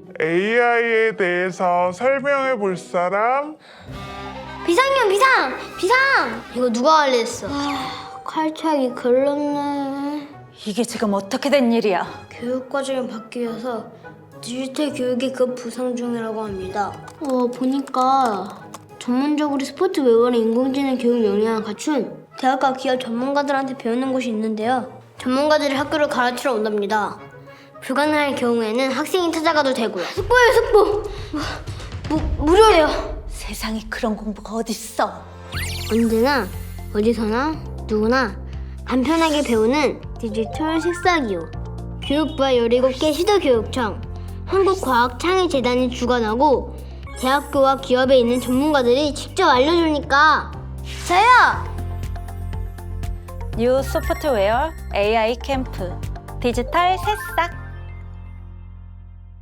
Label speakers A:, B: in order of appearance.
A: AI에 대해서 설명해 볼 사람?
B: 비상이요, 비상! 이거 누가 관리했어? 칼착이 글렀네.
C: 이게 지금 어떻게 된 일이야?
B: 교육과정이 바뀌어서 디지털 교육이 급 부상 중이라고 합니다. 보니까 전문적으로 스포츠 외월의 인공지능 교육 역량을 갖춘 대학과 기업 전문가들한테 배우는 곳이 있는데요. 전문가들이 학교를 가르치러 온답니다. 불가능할 경우에는 학생이 찾아가도 되고요. 숙보예요, 숙보! 무료예요.
C: 세상에 그런 공부가 어딨어?
B: 언제나 어디서나 누구나 간편하게 배우는 디지털 식사기요. 교육부와 17개 시도교육청, 한국과학창의재단이 주관하고 대학교와 기업에 있는 전문가들이 직접 알려주니까 저요!
C: 뉴 소프트웨어 AI 캠프 디지털 새싹